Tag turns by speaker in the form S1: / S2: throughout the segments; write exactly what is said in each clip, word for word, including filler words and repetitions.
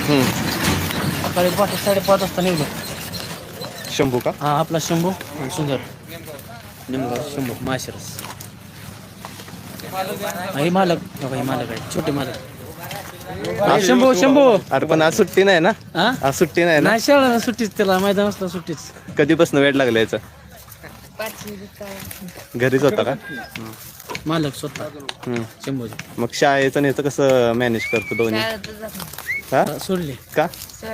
S1: हम्म.
S2: सकाळी पाच साडेपाच वाजता निघलो.
S1: शंभू का?
S2: हा आपला शंभू आणि सुंदर निमगाव शंभू माशिरस. हे मालक बघा, हे मालक आहे छोटे मालक. हा, शंभू शंभू
S1: अरे पण आज सुट्टी नाही ना?
S2: हा
S1: आज सुट्टी नाही ना?
S2: नाही शाळा सुट्टीच, त्याला मैदान असलं सुट्टीच.
S1: कधीपासून वेळ लागला याचा? घरीच होता का?
S2: मालक स्वतः
S1: हम्म.
S2: शंभू
S1: मग शाळेचं आणि याचं कसं मॅनेज करतो दोन्ही? हा
S2: सोडले
S1: का?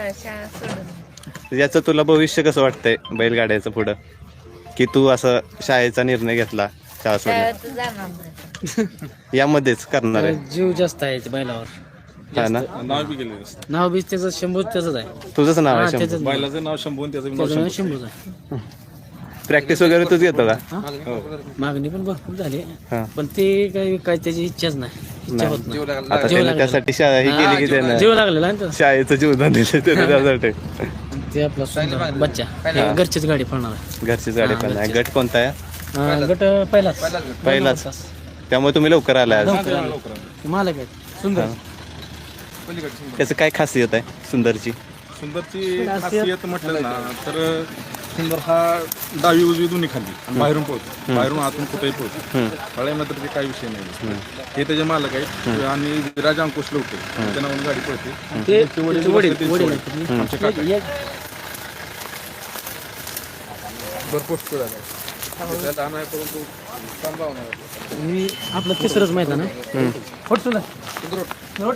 S1: याचं तुला भविष्य कसं वाटतंय बैलगाड्याचं पुढं, की तू असं शाळेचा निर्णय घेतला शाळा सोडून? यामध्येच करणार आहे?
S2: जीव जास्त आहे ते बैलावर.
S1: हा ना?
S3: नाव बी गेले
S2: नाव बी त्याचं शंभू त्याचंच आहे.
S1: तुझंच नाव
S2: हा,
S1: आहे शंभू?
S2: त्याचंच नाव.
S3: बैलाचं नाव शंभू आणि त्याचं नाव
S2: त्याचं नाव
S3: शंभू.
S2: शंभूच आहे.
S1: प्रॅक्टिस वगैरे तूच घेतो का?
S2: हा? मागणी पण भरपूर झाली,
S1: हा.
S2: पण ते काही काय त्याची इच्छाच नाही. इच्छा होत नाही.
S1: आता
S2: जीव
S1: त्याने
S2: लागलेला.
S1: त्यासाठी शाळा ही केली की त्यानं
S2: जीव लागलेला आहे ना त्याचा.
S1: शाळेचं जीवदान दिलं त्याने त्यासाठी.
S2: ते आपला सुंदर बच्चा हे घरचीच गाडी पळणार आहे.
S1: घरचीच गाडी पण आहे. गट कोणता आहे?
S2: हा, गट पहिलाच
S1: पहिलाच. त्यामुळे तुम्ही लवकर आलाय आज.
S2: लवकर आलो. मालक आहे सुंदर.
S1: त्याचं काय खासियत आहे सुंदरची?
S3: सुंदरची खासियत म्हटलं ना तर सुंदर हा डावी उजवी दोन्ही खाली आणि बाहेरून पळतो, बाहेरून आतून कुठेही पळतो. फळ्यामध्ये तर ते काही विषय नाही. हे त्याचे मालक आहेत आणि विराज अंकुश लवटे त्यांच्या नावाने गाडी पळते.
S2: ते
S3: त्यांचे वडील
S2: त्याचे वडील
S3: बसले
S2: वडील
S3: त्यांचे
S2: आहेत.
S3: आमचे काका.
S2: एक-
S3: भरपूर स्पीड आहे. त्याला आणाय परंतु सांभाळून आहे.
S2: मी आपलं तिसरंच मैदान आहे. होट तुला होट.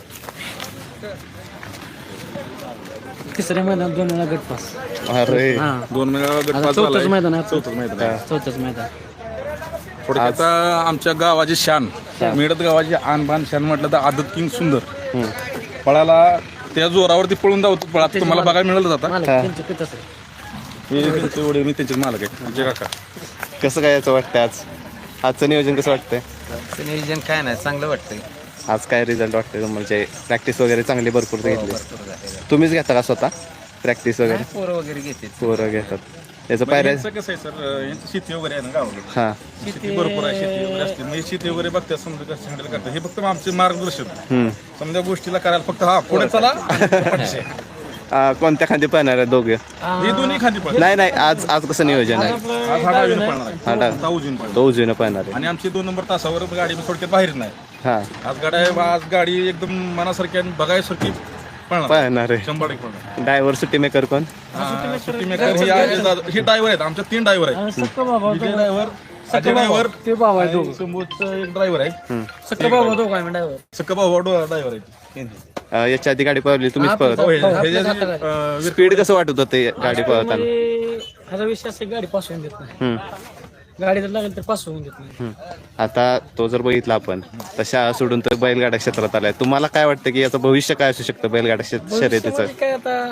S2: तिसऱ्या मैदानात दोन वेळा गट पास.
S1: अरे
S2: हा
S3: दोन वेळा गट
S2: आता
S3: पास
S2: चौथंच
S3: झालाय.
S2: मैदान आहे.
S3: चौथंच मैदान आहे.
S2: चौथंच मैदान.
S3: थोडक्यात आमच्या गावाची शान, मिळत गावाची आन बान शान म्हटलं तर आदत किंग सुंदर पळाला त्या जोरावरती पळून जातो. पळात तुम्हाला बघायला मिळालं जाता.
S2: मालक त्यांचं पितच आहे.
S3: हे त्यांचे वडील, मी त्यांचे मालक आहे, आमचे काका.
S1: कसं काय याचं वाटतंय आज? आजचं नियोजन कसं वाटतंय?
S4: नियोजन काय नाही, चांगलं वाटतंय.
S1: आज काय रिझल्ट वाटतंय म्हणजे? प्रॅक्टिस वगैरे चांगली भरपूर घेतली. तुम्हीच घेता का स्वतः प्रॅक्टिस वगैरे?
S4: पोरं वगैरे घेते.
S1: पोरं घेतात. याचं पायऱ्या?
S3: यांचं कसं आहे सर, यांची शेती वगैरे आहे ना गावाकडे.
S1: हा
S3: शेती भरपूर आहे, शेती वगैरे असते. म्हणजे शेती वगैरे बघतात, समजा कसं हँडल करतात. हे फक्त आमचे मार्गदर्शन.
S1: हम्म.
S3: समजा गोष्टीला करायला फक्त हा पुढे चला पाठीशी.
S1: आ, कोणत्या खांदी पळणार आहे दोघे?
S3: हे दोन्ही खाली पळतात.
S1: नाही नाही आज आज कसं नियोजन आहे?
S3: आज हा डावीनं पळणार आहे.
S1: हा डाव-
S3: आता उजवीनं पळणार.
S1: तो उजवीनं पळणार आहे.
S3: आणि आमची दोन नंबर तासावर गाडी थोडक्यात बाहेर नाही.
S1: हा
S3: आज गाडी आज गाडी एकदम मनासारखी आणि बघायसारखी पळणार.
S1: पळणार आहे.
S3: शंभर टक्के पळणार.
S1: ड्रायव्हर सुट्टी मेकर कोण?
S3: हा, सुट्टी मेकर ही आहे, हे ड्रायव्हर आहेत, आमच्या तीन ड्रायव्हर आहेत.
S2: सक्का बाबा
S3: विजय ड्रायव्हर, अजय ड्रायव्हर,
S2: ते बाबा आहे दोघं.
S3: समोरचं एक ड्रायव्हर आहे.
S2: सक्का बाबा दोघं आहे ड्रायव्हर.
S3: सक्का भाऊ ड्रायव्हर आहेत.
S1: अ, याच्या आधी गाडी पळवली तुम्हीच पळवत?
S3: हो, हे- हे जे, अं,
S1: स्पीड कसं वाटत होतं गाडी पळवताना?
S2: म्हणजे ह्याचा विषय असं गाडी पास होऊन देत नाही.
S1: हम्म.
S2: गाडी जर लागेल तर पास होऊन देत नाही.
S1: हम्म. आता तो जर बघितला आपण तर शाळा सोडून तर बैलगाडा क्षेत्रात आलाय. तुम्हाला काय वाटतं की याचं भविष्य काय असू शकतं बैलगाडा शे- शर्यतीचं?
S2: म्हणजे काय आता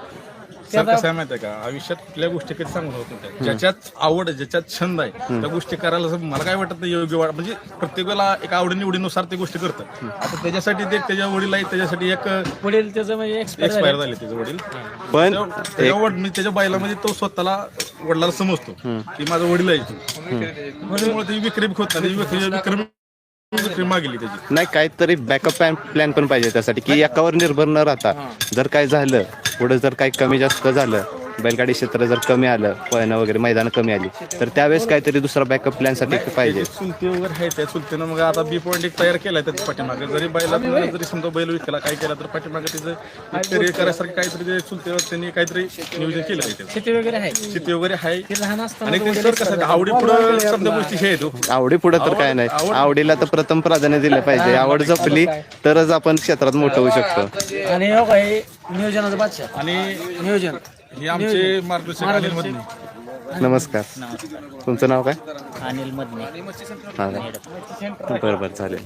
S3: सर कसं आहे माहिती आहे का, आयुष्यात कुठल्या गोष्टी कधी सांगू होत नाही. ज्याच्यात आवड आहे, ज्याच्यात छंद आहे, त्या गोष्टी करायला असं मला काय वाटत नाही योग्य वाट. म्हणजे प्रत्येक वेळेला एक आवडीनिवडीनुसार ते गोष्टी करतात. आता त्याच्यासाठी ते त्याच्या वडील आहेत, त्याच्यासाठी एक
S2: वडील त्याचं म्हणजे एक्सपायर
S3: एक्सपायर झाले त्याचे वडील.
S1: पण
S3: त्याच्या वड- मी त्याच्या बैलामध्ये तो स्वतःला वडिलाला समजतो की माझा वडील आहे तो. त्यामुळे ती विक्री होत नाही. विक्री विक्रमी विक्री मागली त्याची.
S1: नाही काहीतरी बॅकअप प्लॅन प्लॅन पण पाहिजे त्यासाठी की एकावर निर्भर न राहता जर काय झालं पुढे जर काही कमी जास्त झालं, बैलगाडी क्षेत्र जर कमी आलं, पळणं वगैरे मैदान कमी आली तर त्यावेळेस काहीतरी दुसरा बॅकअप प्लॅनसाठी पाहिजे.
S3: चुलती वगैरे आहे, त्या चुलतीनं मग आता बी पॉईंट एक तयार केलाय त्याच्या पाठीमागे. जरी बैला जरी समजा बैल विकला काय केला तर पाठीमागे तिचं करिअर करायसारखं काहीतरी ते चुलतीवर त्यांनी काहीतरी नियोजन केलं आहे. त्याचं
S2: शेती वगैरे आहे.
S3: शेती वगैरे आहे.
S2: ते लहान असताना
S3: आणि ते सर कसं आवडी पुढं समजा गोष्टी हे आहेत हो.
S1: आवडी पुढे तर काय नाही, आवडीला तर प्रथम प्राधान्य दिलं पाहिजे. आवड जपली तरच आपण क्षेत्रात मोठं होऊ शकतो.
S2: आणि हो काय नियोजनाचा बादशाह
S3: आणि
S2: नियोजन
S3: हे आमचे मार्गदर्शक अनिल मधने.
S1: नमस्कार, तुमचं नाव काय?
S2: अनिल मधने.
S1: हा का? बरं बरं चालेल.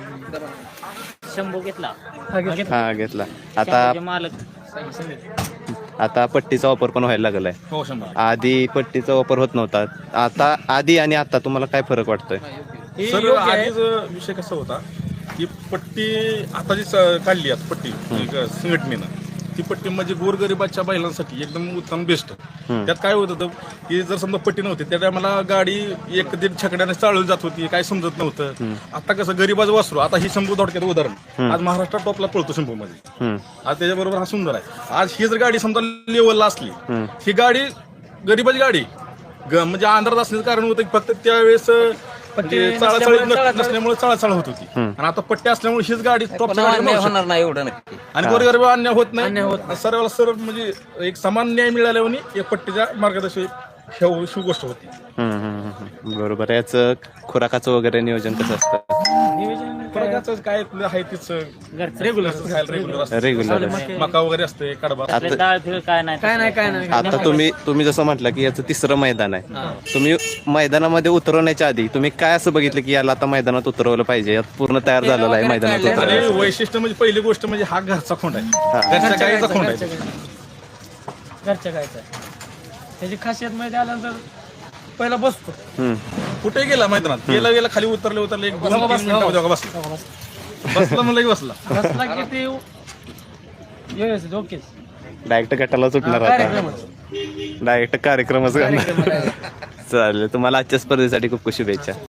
S2: शंभू घेतला.
S1: हा घेतला. आता
S2: मालक
S1: आता पट्टीचा वापर पण व्हायला लागलाय.
S3: हो शंभर.
S1: आधी पट्टीचा वापर होत नव्हता. आता आधी आणि आता तुम्हाला काय फरक वाटतोय?
S3: सर आधीच विषय कसा होता की पट्टी आता जी स- काढली आता पट्टी एक संघटनेनं ती पट्टी म्हणजे गोरगरिबाच्या बैलांसाठी एकदम उत्तम बेस्ट. त्यात काय होत होतं की जर समजा पट्टी नव्हती त्या टायमाला गाडी एक दीड छकड्याने चालवली जात होती, काय समजत नव्हतं. आता कसं गरीबाचं वासरू, आता ही शंभू थोडक्यात उदाहरण, आज महाराष्ट्रात टॉपला पळतो शंभू मध्ये, आज त्याच्याबरोबर हा सुंदर आहे. आज ही जर गाडी समजा लेवलला असली, ही गाडी गरीबाची गाडी ग- म्हणजे अंधारात असण्याचं कारण होतं की फक्त त्यावेळेस म्हणजे चाळाचाळी नसल्यामुळे चाळाचाळ होत होती, आणि आता पट्टी असल्यामुळे हीच गाडी टॉपची गाडी बनवू शकते.
S4: होणार नाही एवढं नक्की.
S3: आणि गोरगरीब अन्याय होत नाही, सर्वाला सर्व म्हणजे एक समान न्याय मिळाल्याने एक पट्टीच्या मार्गदर्शन ही ही गोष्ट होती.
S1: हम्म, हम्म, हम्म. बरोबर. याचं खुराकाचं वगैरे नियोजन कसं असतं?
S3: फरकाचं काय आहे तीच रेग्युलर खायला रेग्युलर असतं,
S1: रेग्युलर.
S3: मका वगैरे असते, कडबा असतो.
S1: आता
S2: डाळ फिळ काय नाही काय नाही काय नाही
S1: आता तुम्ही तुम्ही जसं म्हटलं की याचं तिसरं मैदान आहे, तुम्ही मैदानामध्ये उतरवण्याच्या आधी तुम्ही काय असं बघितलं की याला आता मैदानात उतरवलं पाहिजे, यात पूर्ण तयार झालेलं आहे मैदानात
S3: आणि
S1: उतरवलं?
S3: वैशिष्ट्य म्हणजे पहिली गोष्ट म्हणजे हा घरचा खोंड आहे, घरच्या गाईचा खोंड आहे.
S2: घरच्या गायचं त्याची खासियत माहिती आल्यानंतर पहिला बसतो.
S1: हम्म.
S3: कुठे गेला मैदानात, गेला गेला खाली उतरले उतरले एक दोन तीन मिनिटं बसला बसला म्हणलं की बसला.
S2: बसला की ते व्यवस्थित ओकेच
S1: डायरेक्ट गटाला सुटणार आता,
S2: कार्यक्रमच
S1: डायरेक्ट कार्यक्रमच करणार. चालेल. तुम्हाला आजच्या स्पर्धेसाठी खूप खूप शुभेच्छा.